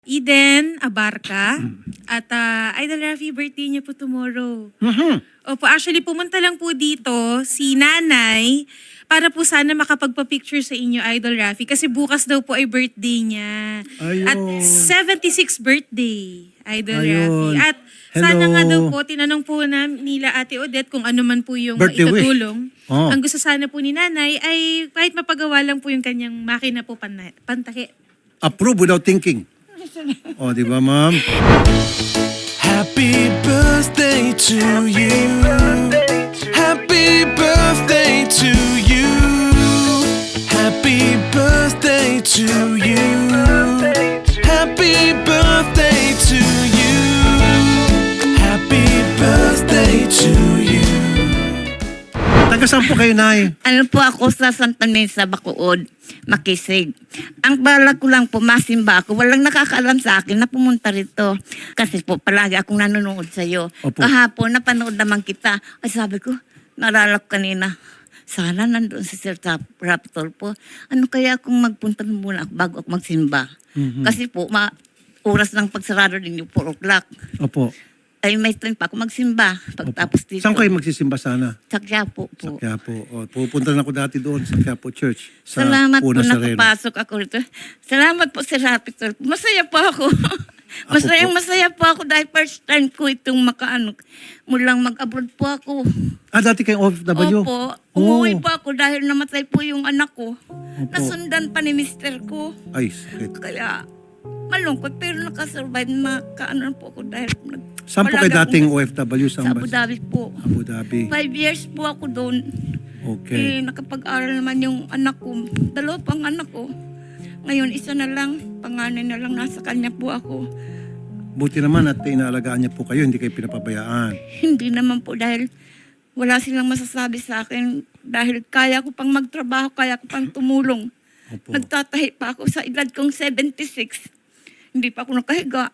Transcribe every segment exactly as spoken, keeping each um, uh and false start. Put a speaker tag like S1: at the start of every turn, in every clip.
S1: Eden Abarca. At ah, Idol Rafi, birthday niya po tomorrow.
S2: Mhm.
S1: Opo, actually pumunta lang po dito si Nanay para po sana makapagpa-picture sa inyo, Idol Rafi. Kasi bukas daw po ay birthday niya.
S2: Ayun.
S1: At seventy-sixth birthday, Idol
S2: Ayun.
S1: Rafi. At
S2: Hello.
S1: sana nga daw po, tinanong po na nila Ate Odette kung ano man po yung
S2: Birthday wish.
S1: maitutulong.
S2: Oh.
S1: Ang gusto sana po ni Nanay ay kahit mapagawa lang po yung kanyang makina po pan- pantake.
S2: Approve without thinking. O, di ba, ma'am?
S3: Happy birthday to you. Happy birthday to you. Happy birthday to you. Happy birthday to you. Happy birthday to you.
S2: Taga saan po kayo, Nay?
S4: Ano po ako sa Santa Mesa, Bacood, Makisig. Ang balak ko lang po, masimba ako. Walang nakakaalam sa akin na pumunta rito. Kasi po, palagi akong nanonood sa'yo.
S2: Opo.
S4: Kahapon, napanood naman kita. Ay sabi ko, naalala ko kanina, sana nandun si Sir Tap- Raptor po. Ano kaya kung magpunta muna ako bago ako magsimba?
S2: Mhm.
S4: Kasi po, ma oras ng pagsarado din yung four o'clock.
S2: Opo.
S4: Ay may time pa ako magsimba. Pagtapos dito.
S2: Saan kayo magsisimba sana?
S4: Sa Quiapo
S2: Sa
S4: po.
S2: Quiapo. O, pupunta na ako dati doon sa Quiapo Church. Sa
S4: Salamat po
S2: Puna Sereno.
S4: nakapasok ako rito. Salamat po Sir Raptor. Masaya po ako. Masayang
S2: po.
S4: masaya po ako dahil first time ko itong makaano. Mulang mag-abroad po ako.
S2: Ah, dati kayong O F W?
S4: Opo.
S2: Oh.
S4: Umuwi po ako dahil namatay po yung anak ko. Nasundan pa ni mister ko.
S2: Ay, sakit.
S4: Kaya malungkot pero nakasurvive na kaano po ako dahil nag
S2: Saan po kayo
S4: Wala
S2: dating
S4: akong-
S2: O F W?
S4: sa
S2: Saan
S4: Abu
S2: ba?
S4: Dhabi po.
S2: Abu Dhabi.
S4: Five years po ako doon.
S2: Okay.
S4: Eh, nakapag-aral naman yung anak ko. Dalawa pang anak ko. Ngayon, isa na lang. Panganay na lang. Nasa kanya po ako.
S2: Buti naman at inaalagaan niya po kayo, hindi kayo pinapabayaan.
S4: Hindi naman po dahil wala silang masasabi sa akin. Dahil kaya ko pang magtrabaho, kaya ko pang tumulong.
S2: Opo.
S4: Nagtatahi pa ako sa edad kong seventy-six. Hindi pa ako nakahiga.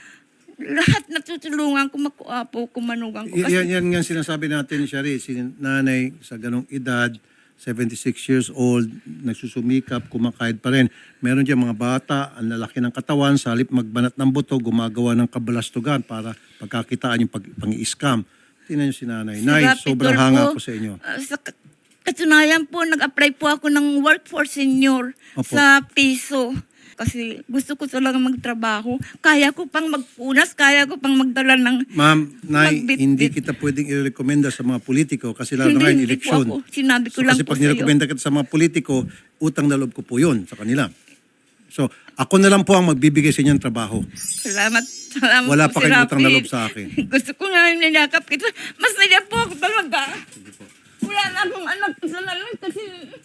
S4: Lahat natutulungan ko, makuapo, kumanugan ko.
S2: Y-
S4: Kasi
S2: yan, yan nga sinasabi natin, Shari, si nanay sa ganong edad, seventy-six years old, nagsusumikap, kumakahid pa rin. Meron dyan mga bata, ang lalaki ng katawan, sa halip magbanat ng buto, gumagawa ng kabalastugan para pagkakitaan yung pag, pang-i-scam. Tingnan nyo si nanay.
S4: Si
S2: Nay,
S4: Rapidol
S2: sobrang hanga
S4: po,
S2: po sa inyo.
S4: ah, sa kat- katunayan po, nag-apply po ako ng work for senior
S2: Opo.
S4: sa piso. Kasi gusto ko talaga magtrabaho. Kaya ko pang magpunas, kaya ko pang magdala ng...
S2: Ma'am, Nay,
S4: Magbitbit.
S2: hindi kita pwedeng i-recommenda sa mga politiko kasi lalo na ngayon,
S4: hindi po
S2: eleksyon.
S4: ako. Sinabi ko
S2: So,
S4: lang
S2: kasi
S4: po
S2: pag
S4: sa'yo.
S2: nirekomenda kita sa mga politiko, utang na loob ko po yun sa kanila. So, ako na lang po ang magbibigay sa inyong trabaho.
S4: Salamat. Salamat
S2: Wala
S4: po,
S2: pa
S4: si
S2: kayong utang na
S4: Rafi.
S2: loob sa akin.
S4: Gusto ko nga yung nilakap kita. Masaya po ako talaga. Wala na akong anak. Isa na lang kasi...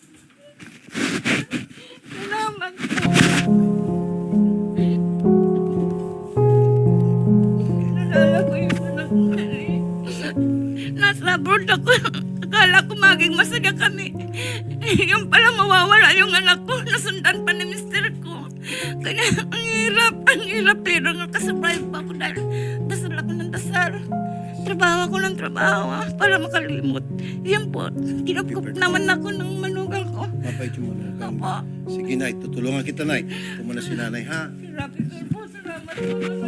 S4: Salamat po. Nalala ko yung anak ko. Nasa abroad ako. Akala ko maging masaya kami. Yung pala mawawala yung anak ko. Nasundan pa ni mister ko. Kaya ang hirap, ang hirap. Pero nakasurvive pa ako dahil dasal ako ng dasal. Trabaho ako ng trabaho ah, para makalimot. Yan po, kinukup naman ako ng manugang ko.
S2: Mabait yung mga
S4: Opo.
S2: Sige, Nay. Tutulungan kita, Nay. Pumuna si nanay, ha?
S4: Rapidol po, salamat po.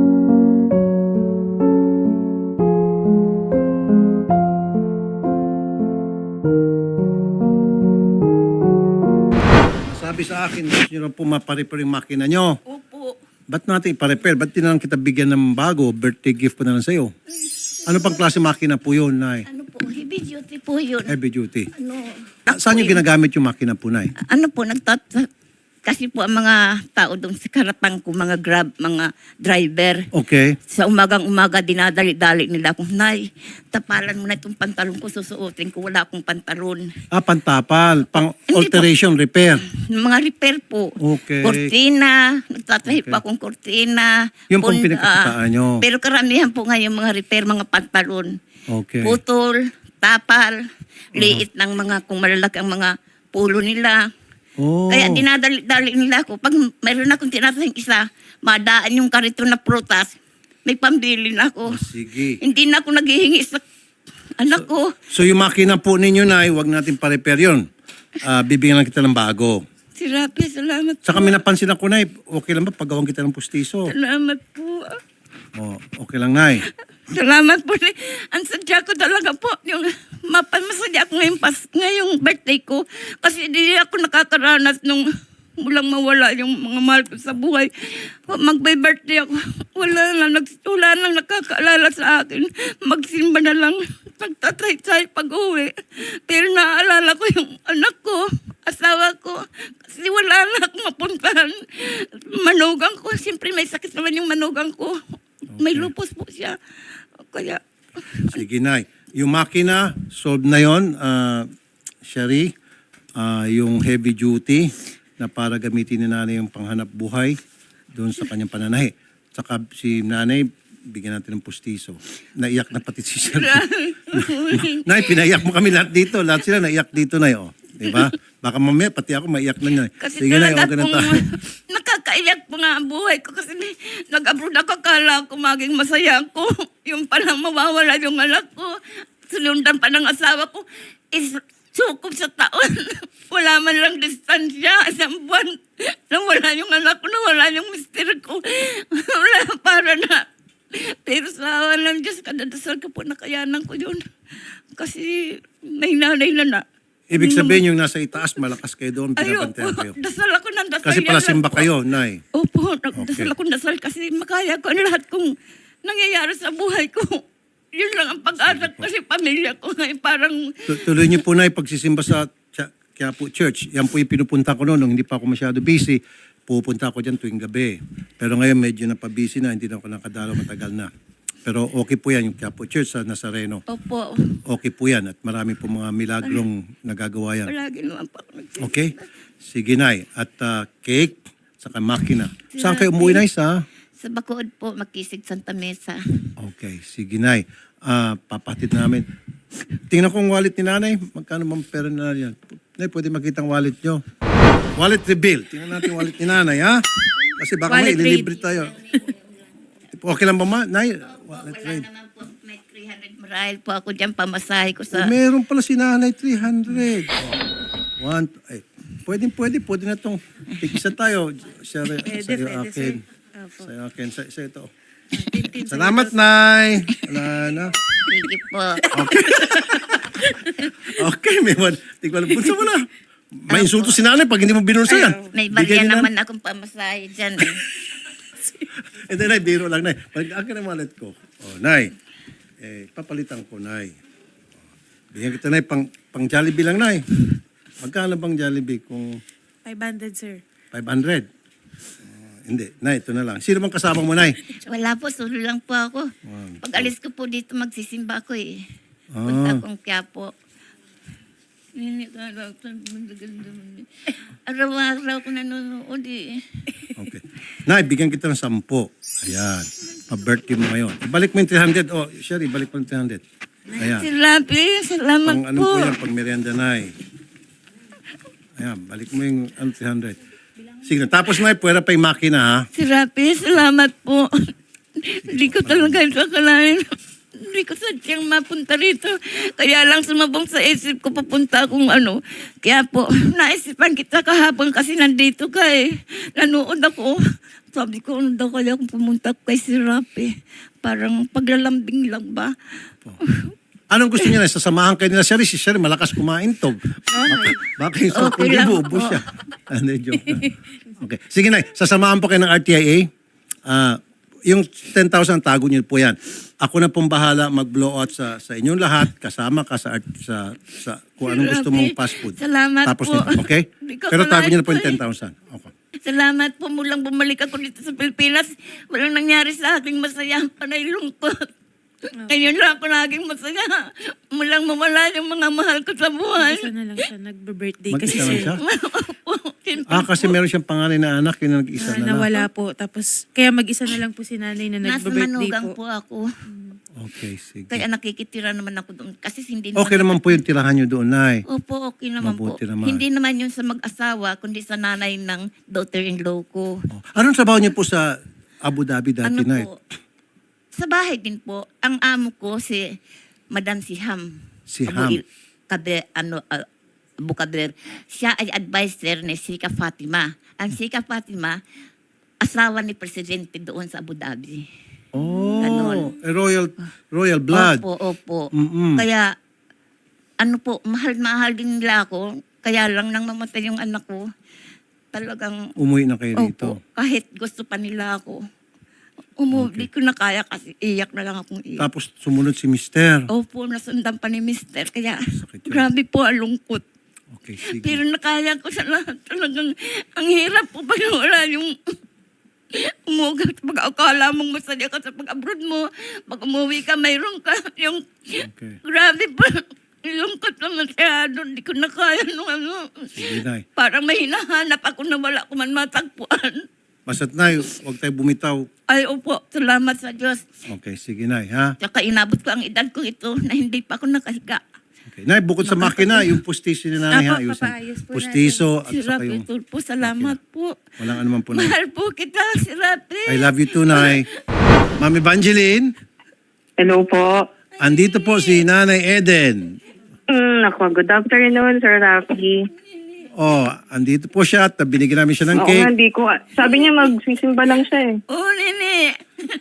S2: Sabi sa akin, gusto nyo lang po maparepair yung makina nyo.
S4: Opo.
S2: Ba't natin iparepair? Ba't di na lang kita bigyan ng bago? Birthday gift pa na lang sa'yo. Ano pang klase makina po yun, Nay?
S4: Ano po, heavy duty po yun.
S2: Heavy duty.
S4: Ano,
S2: Ah, saan yung ginagamit yung makina po, Nay?
S4: ano po, nagtat... Kasi po ang mga tao doon sa karapang ko, mga grab, mga driver.
S2: Okay.
S4: Sa umagang umaga, dinadali-dali nila akong, Nay, tapalan mo na itong pantalon ko, susuotin ko, wala akong pantalon.
S2: Ah, pantapal. Pang alteration, repair.
S4: Mga repair po.
S2: Okay.
S4: Kortina, nagtatahi
S2: Okay.
S4: pa akong kortina.
S2: Yung pong
S4: Pun-
S2: pinagkakitaan
S4: ah,
S2: nyo.
S4: Pero karamihan po ngayon mga repair, mga pantalon.
S2: Okay.
S4: Putol, tapal, liit ng mga, kung malalaki ang mga pulo nila.
S2: Oh.
S4: Kaya dinadali-dali nila ako. Pag mayroon akong tinatahing isa, madaan yung karito na prutas, may pambili na ako.
S2: Oh, sige.
S4: Hindi na ako naghihingi sa anak ko.
S2: So yung makina po ninyo, Nay, wag natin pa-repair yun. Ah, bibigyan lang kita ng bago.
S4: Si Rapi, salamat po.
S2: Saka may napansin ako, Nay, okay lang ba paggawan kita ng pustiso?
S4: Salamat po.
S2: Oh, okay lang, Nay.
S4: Salamat po. Ang sadya ko talaga po, yung mapamasaya ako ngayong, pas, ngayong birthday ko. Kasi hindi ako nakakaranas nung mulang mawala yung mga mahal ko sa buhay. Mag-birthday ako. Wala lang, nag, wala lang nakakaalala sa akin. Magsimba na lang. Pagtatay-tay pag-uwi. Pero naaalala ko yung anak ko, asawa ko. Kasi wala na akong mapuntahan. Manugang ko. Siyempre may sakit naman yung manugang ko. May
S2: Okay.
S4: lupus po siya. Kaya,
S2: Sige, Nay. Yung makina, solved na yon, uh, Shari. Ah, yung heavy duty na para gamitin ni nanay yung panghanap buhay doon sa kanyang pananahi. Saka si nanay, bigyan natin ng pustiso. Naiyak na pati si Shari. Nay, pinaiyak mo kami lahat dito. Lahat sila naiyak dito, Nay. Oh. Diba? Baka mamaya, pati ako maiyak na, Nay.
S4: kasi
S2: Sige, Nay.
S4: talaga
S2: Okay na
S4: pong
S2: tayo.
S4: nakakaiyak po nga ang buhay ko kasi may- nag-abroad ako, kala ko maging masaya ako. Yung palang mawawala yung anak ko. Sunundan pa ng asawa ko. Is sukob sa taon. Wala man lang distansya. Isang buwan. Nawala yung anak ko, nawala yung mister ko. Wala, para na. Pero sa awa ng Diyos, kadadasal ko po, nakayanan ko yun. Kasi may nanay na na.
S2: Ibig sabihin yung nasa itaas, malakas kayo doon,
S4: Ayoko,
S2: pinabantayan kayo.
S4: dasal ako ng dasal.
S2: Kasi
S4: yan
S2: pala
S4: lang
S2: simba
S4: po.
S2: kayo, Nay.
S4: Opo, nagdasal
S2: Okay.
S4: ako ng dasal kasi makaya ko ang lahat kong nangyayari sa buhay ko. Yun lang ang pag-asa ko kasi pamilya ko ngayon parang
S2: Tu- Tuloy niyo po, Nay, pagsisimba sa Ch- Quiapo Church. Yan po yung pinupunta ko noon nung hindi pa ako masyado busy. Pupunta ako dyan tuwing gabi. Pero ngayon medyo napabusy na, hindi na ako nakadalaw, matagal na. Pero okay po yan, yung Quiapo Church sa Nazareno.
S4: opo,
S2: Okay po yan at marami po mga milagrong nagagawa yan.
S4: palagi naman po ako nagsisimba.
S2: Okay? Sige, Nay. At ah, cake, saka makina. Saan kayo umuwi, Nay? Sa?
S4: Sa Bacood po, Makisig, Santa Mesa.
S2: Okay, sige, Nay. Ah, papatid namin. Tingnan ko ang wallet ni Nanay. Magkano bang pera na yan? Nay, pwede makita ang wallet nyo. Wallet reveal. Tingnan natin yung wallet ni Nanay, ha? Kasi baka may
S1: Wallet
S2: ililibre tayo. Okay lang ba, ma? Nay, wallet
S4: Wala
S2: reveal.
S4: naman po, may three hundred marahil po ako dyan, pamasahe ko sa...
S2: Meron pala si Nanay, three hundred. Oh, one, ay, pwede, pwede, pwede na itong tigisa tayo. Sa,
S1: Pwede,
S2: sa'yo
S1: pwede,
S2: akin.
S1: sir. Opo.
S2: Sa'yo akin. Sa, sa ito.
S1: Tintin sa
S2: Salamat, Nay. Wala na.
S4: Sige po.
S2: Okay, may one. Tingnan mo, bulsa mo na. May insulto si Nanay pag hindi mo binulsa yan.
S4: May
S2: Bigay
S4: bagyan
S2: ni Nanay.
S4: naman akong pamasahe dyan. Eh.
S2: Eh, di, Nay, biro lang, Nay. Balik akin ang wallet ko. Oh, Nay. Eh, papalitan ko, Nay. Oh, bigyan kita, Nay, pang, pang Jollibee lang, Nay. Magkano bang Jollibee kung
S1: five hundred, sir.
S2: five hundred? Oh, hindi, Nay, ito na lang. Sino bang kasama mo, Nay?
S4: Wala po, solo lang po ako.
S2: One,
S4: Pag alis ko po dito, magsisimba ako eh.
S2: Ah.
S4: Punta akong Quiapo. Araw-araw ko nanonood eh.
S2: Okay. Nay, bigyan kita ng sampo. Ayan. Pa-birthday mo ngayon. Ibalik mo yung three hundred. Oh, Sherry, ibalik mo yung three hundred. Ayan.
S4: Si Rapi, salamat
S2: Pang ano
S4: po.
S2: po yan, pang merienda, Nay. Ayan, balik mo yung ano, three hundred. Sige na. Tapos, Nay, pwera pa yung makina, ha?
S4: Si Rapi, salamat po. Hindi ko talaga ito akalain. Hindi ko sadyang mapunta rito. Kaya lang sumabong sa isip ko papunta akong ano. Kaya po, naisipan kita kahapon kasi nandito ka eh. Nanood ako. Sabi ko, ano daw kaya kung pumunta ko kay si Rapi? Parang paglalambing lang ba?
S2: Anong gusto niya na? Sasamahan kayo nila, Sherry. Si Sherry, malakas kumain to. Baka, baka yung sa
S4: Okay lang
S2: ubos
S4: po.
S2: siya. Ano, joke lang. Okay. Sige, Nay. Sasamahan po kayo ng R T I A. Ah, yung ten thousand, tago niyo po yan. Ako na pong bahala mag-blow out sa sa inyong lahat. Kasama ka sa, art- sa, sa kung anong gusto mong fast food.
S4: Salamat
S2: Tapos
S4: po.
S2: nito, okay?
S4: Hindi ko
S2: Pero tago niyo na po yung
S4: akalain
S2: ten thousand. Okay.
S4: Salamat po mulang bumalik ako dito sa Pilipinas. Walang nangyari sa aking masaya. Panay lungkot. Ngayon lang ako naging masaya. Mulang mawala yung mga mahal ko sa buhay.
S1: Isa na lang siya nagbe-birthday kasi,
S2: Mag-isa lang
S1: sir.
S2: siya?
S4: Opo, siyempre
S2: Ah, kasi meron siyang panganay na anak, yun ang nag-isa
S1: Ah,
S2: na lang.
S1: nawala po. Tapos, kaya mag-isa na lang po si nanay na
S4: Nasa
S1: nagbe-birthday
S4: manugang
S1: po.
S4: po ako.
S2: Okay, sige.
S4: Kaya nakikitira naman ako doon. Kasi hindi
S2: Okay naman po yung tirahan nyo doon, Nay.
S4: Opo, okay naman
S2: Mabuti
S4: po.
S2: naman.
S4: Hindi naman yun sa mag-asawa, kundi sa nanay ng daughter-in-law ko.
S2: Oh. Anong trabaho niyo po sa Abu Dhabi dati,
S4: Ano
S2: Nay?
S4: po? Sa bahay din po. Ang amo ko si Madam Siham.
S2: Si
S4: Abu
S2: Ham.
S4: Il- Kabe, ano, ah, Bukaber. Siya ay advisor ni Sika Fatima. Ang Sika Fatima, asawa ni Presidente doon sa Abu Dhabi.
S2: Oh,
S4: Ganon.
S2: eh, royal royal blood.
S4: Opo, opo.
S2: Mm-mm.
S4: Kaya, ano po, mahal-mahal din nila ako. Kaya lang nang mamatay yung anak ko, talagang,
S2: Umuwi na kayo rito.
S4: opo, kahit gusto pa nila ako. Umuwi ko na kaya kasi iyak na lang akong iyak.
S2: Tapos sumunod si Mister.
S4: Opo, nasundan pa ni Mister. Kaya,
S2: Sakit yun.
S4: grabe po ang lungkot.
S2: Okay, sige.
S4: Pero nakaya ko sa lahat. Talagang, ang hirap po pag wala yung umugat. Pag akala mong masaya ka sa pag-abroad mo, pag umuwi ka, mayroon ka. Yung,
S2: Okay.
S4: grabe po. Lungkot lang masyado. Hindi ko na kaya nung ano.
S2: Sige, Nay.
S4: Parang may hinahanap ako na wala ko man matagpuan.
S2: Basta't, Nay, huwag tayo bumitaw.
S4: Ay, opo. Salamat sa Diyos.
S2: Okay, sige, Nay, ha?
S4: Tsaka inabot ko ang edad ko ito na hindi pa ako nakahiga.
S2: Okay. Nay, bukod sa makina, yung pustiso ni Nanay, ha?
S1: Apo,
S2: Ayusin.
S1: papaayos po
S2: Pustiso at
S4: Si
S2: saka
S4: Rapi
S2: yung...
S4: Tulpo, salamat po.
S2: Walang anuman po, Nay.
S4: Mahal po kita, si Rapi.
S2: I love you too, Nay. Ma'am Evangeline,
S5: Hello po.
S2: andito po si Nanay Eden.
S5: Mm, ako, good afternoon, Sir Rafi.
S2: Oh, andito po siya at binigyan namin siya ng
S5: Oo nga,
S2: cake.
S5: hindi ko, sabi niya magsisimba lang siya eh.
S4: Oh, nene.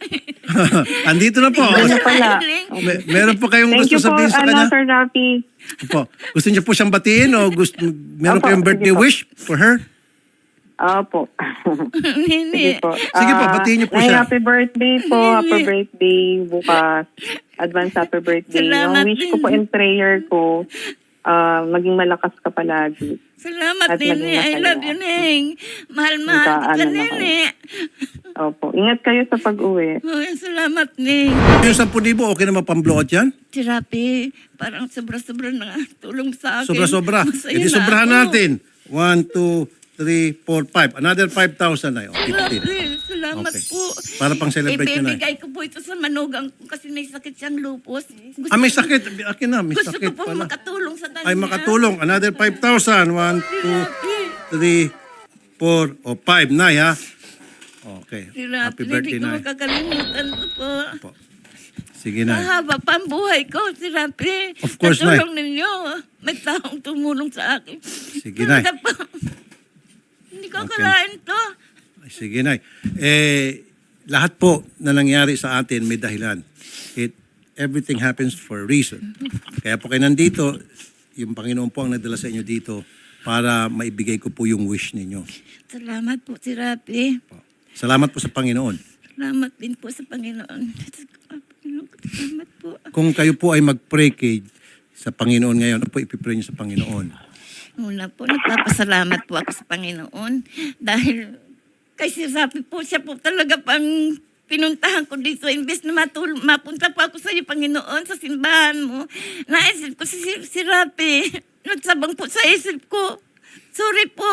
S2: andito na po.
S5: Ano pala?
S2: May, meron po kayong
S5: Thank
S2: gusto
S5: you po,
S2: sabihin sa
S5: ano,
S2: kanya?
S5: Sir Rafi.
S2: Opo. Gusto niyo po siyang batiin o gusto, meron
S5: Opo,
S2: kayong
S5: sige
S2: birthday
S5: po.
S2: wish for her?
S5: Opo.
S4: Nene.
S5: Sige po.
S2: Sige po,
S5: Ah,
S2: batiin niyo po
S5: ay,
S2: siya.
S5: Happy birthday po. Happy birthday bukas. Advance happy birthday.
S4: Salamat
S5: Ang wish ko
S4: din.
S5: po and prayer ko, ah, maging malakas ka palagi.
S4: Salamat,
S5: At maging
S4: nene. I
S5: masaya.
S4: love you, Neng. Mahal-mahal
S5: Magka-
S4: kita,
S5: ano na
S4: nene.
S5: Opo. Ingat kayo sa pag-uwi.
S4: Oh, salamat, Neng.
S2: Yung sampu libo, okay naman pang-blowout yan?
S4: Si Rapi, parang sobra-sobra na tulong sa akin.
S2: Sobra-sobra.
S4: Masaya
S2: E di
S4: na
S2: sobrahan
S4: ako.
S2: natin. One, two, three, four, five. Another five thousand na yun. fifteen.
S4: Rapi, salamat
S2: Okay.
S4: po.
S2: Para pang celebrate yun na.
S4: Ibibigay ko po ito sa manugang ko kasi may sakit siyang lupus. Gusto,
S2: Ah, may sakit. Akin na, may
S4: gusto
S2: sakit
S4: ko po
S2: pala.
S4: makatulong sa kanya.
S2: Ay, makatulong. Another five thousand. One, two, three, four, o five na, ha? Okay.
S4: Si
S2: Happy
S4: Rapi,
S2: birthday,
S4: hindi ko
S2: na.
S4: makakalimutan ko po.
S2: Po. Sige, na.
S4: Mahaba pa ang buhay ko, si Rapi.
S2: Of course,
S4: Sa tulong ninyo, may taong tumulong sa akin.
S2: Sige, Nay.
S4: Talaga po. Hindi ko
S2: Okay.
S4: akalain to.
S2: Ay, sige, Nay. Eh, lahat po na nangyari sa atin may dahilan. It, everything happens for a reason. Kaya po kayo nandito, yung Panginoon po ang nagdala sa inyo dito para maibigay ko po yung wish ninyo.
S4: Salamat po, si Rapi.
S2: Salamat po sa Panginoon.
S4: Salamat din po sa Panginoon. Salamat po.
S2: Kung kayo po ay mag-pray kay sa Panginoon ngayon, ano po ipipray niyo sa Panginoon?
S4: Una po, nagpapasalamat po ako sa Panginoon dahil kay si Rapi po, siya po talaga pang pinuntahan ko dito. Imbes na matul- mapunta po ako sa iyo, Panginoon, sa simbahan mo. Naisip ko si, si Rapi. Nagsabang po sa isip ko. Sorry po.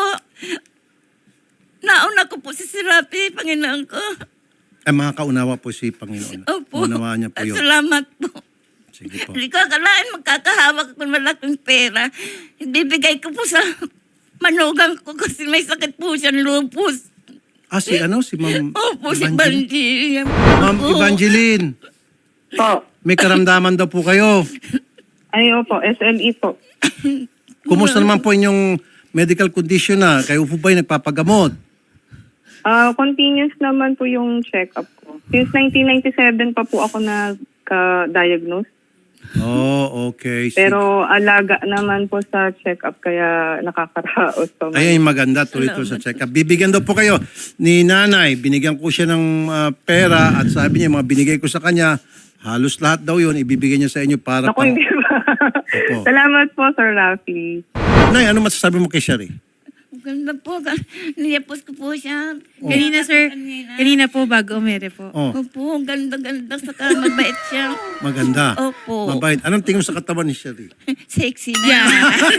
S4: Nauna ko po si si Rapi, Panginoon ko.
S2: Ay, mga kaunawa po si Panginoon.
S4: Opo.
S2: Unawaan niya po
S4: At
S2: yun.
S4: salamat po.
S2: Sige po.
S4: Hindi ko akalain magkakahawak ako ng malaking pera. Ibibigay ko po sa manugang ko kasi may sakit po siya, lupus.
S2: Ah, si ano? Si Ma'am
S4: Opo, si
S2: Evangeline?
S4: Banji.
S2: Ma'am Evangeline,
S5: Po.
S2: may karamdaman daw po kayo.
S5: Ay, opo. S L E po.
S2: Kumusta naman po inyong medical condition na? Kayo po ba'y nagpapagamot?
S5: Ah, continuous naman po yung check-up ko. Since nineteen ninety-seven pa po ako nagka-diagnose.
S2: Oh, okay. Sige.
S5: Pero alaga naman po sa check-up kaya nakakaraos pa. man.
S2: Ayun, maganda. Tuloy-tuloy sa check-up. Bibigyan daw po kayo ni nanay. Binigyan ko siya ng ah, pera at sabi niya, mga binigay ko sa kanya, halos lahat daw yun, ibibigay niya sa inyo para
S5: Naku,
S2: pang...
S5: hindi ba?
S2: Opo.
S5: Salamat po, Sir Rafi.
S2: Nay, ano masasabi mo kay Sherry?
S4: Ganda po. Niyapos ko po siya.
S1: Kanina, sir.
S4: Kanina.
S1: Kanina po, bago umere po.
S2: Oh,
S4: Opo, ganda-ganda. Saka mabait siya.
S2: maganda.
S4: Opo.
S2: Mabait. Anong tingin mo sa katawan ni Sherry?
S4: Sexy na.
S1: Yeah.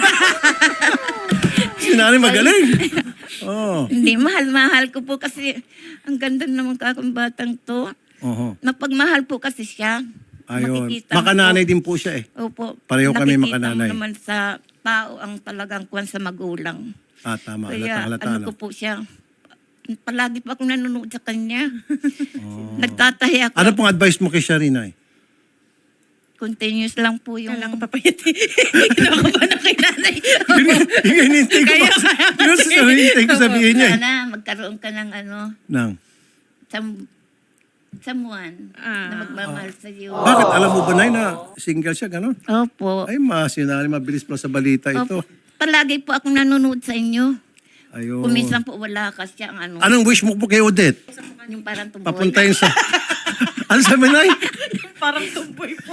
S2: Si nanay magaling. Oh.
S4: Hindi, mahal-mahal ko po kasi ang ganda naman kakong batang to.
S2: Oho.
S4: Napagmahal po kasi siya.
S2: Ayun.
S4: Makikita mo
S2: Makananay
S4: po.
S2: din po siya eh.
S4: Opo.
S2: Pareho kami
S4: Nakikita
S2: makananay.
S4: mo naman sa tao ang talagang kuwan sa magulang.
S2: Ah, tama.
S4: Kaya
S2: Halata, halata.
S4: ano
S2: ano?
S4: ko po siya, palagi pa akong nanonood sa kanya. Nagtatahi ako.
S2: Ano pong advice mo kay Sherry, Nay?
S4: continuous lang po yung...
S1: Kala ko papayati. Ginawa ko pa na kay nanay.
S2: Yun yung hinintay ko.
S1: Kaya-
S2: pa- Yun yung hinintay ko sabihin niya. eh.
S4: Sana magkaroon ka ng ano,
S2: Nang.
S4: some, someone
S1: Ah.
S4: na magmamahal sa iyo.
S2: Bakit? Alam mo ba, Nay, na single siya, gano'n?
S4: Opo.
S2: Ay, masinari, mabilis pala sa balita ito.
S4: Opo. Palagi po akong nanonood sa inyo.
S2: Ayun.
S4: Kung minsan po wala kasi ang ano,
S2: Anong wish mo po kay Odette?
S4: yung parang tumboy.
S2: Papuntayin sa... ano sabi, Nay?
S1: Parang tumboy po.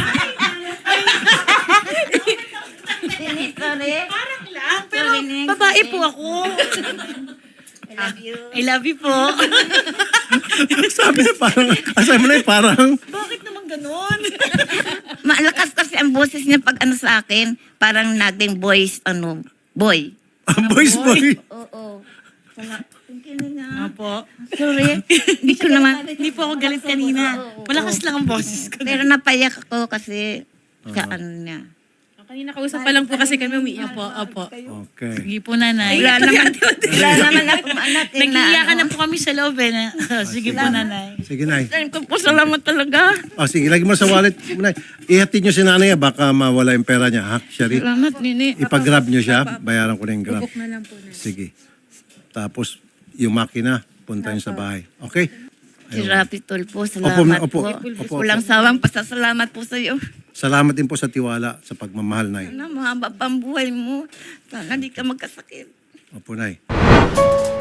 S4: Sorry, sorry.
S1: Parang lang. Pero
S4: Sorry, Ning.
S1: babae po ako.
S4: I love you.
S1: I love you po.
S2: sabi niya parang... Ah, sabi mo, Nay, parang...
S1: Bakit naman ganun?
S4: Malakas kasi ang boses niya pag ano sa akin, parang naging voice, ano, boy.
S2: boys, boy.
S4: Oo. Wala. Tingnan nga.
S1: Opo.
S4: Sorry. Hindi ko naman.
S1: Hindi po ako galit kanina. Malakas lang ang boses ko.
S4: Pero napayak ako kasi sa ano niya.
S1: Kanina kausap pa lang po kasi kami umiiyak po. Opo.
S2: Okay.
S1: Sige po, nanay.
S4: Wala naman, wala naman akong anak. eh, na
S1: Nag-iiyakan
S4: ano.
S1: na po kami sa loob eh. na- Sige po, nanay.
S2: Sige, Nay.
S4: Ayun ko po, salamat talaga.
S2: Oh, sige, lagi mo sa wallet. Nay, ihatid niyo si nanay, ah, baka mawala yung pera niya, ha? Sherry,
S4: Salamat, Nini.
S2: ipag-grab niyo siya, bayaran ko na yung grab.
S1: Bubok na lang po, nanay.
S2: Sige. Tapos, yung makina, punta niyo sa bahay. Okay?
S4: Si Rapi Tulfo, salamat
S2: Opo,
S4: po.
S2: opo, opo,
S4: Walang sawang pasasalamat po sa iyo.
S2: Salamat din po sa tiwala, sa pagmamahal, Nay.
S4: Na mahaba pa ang buhay mo. Sana di ka magkasakit.
S2: Opo, Nay.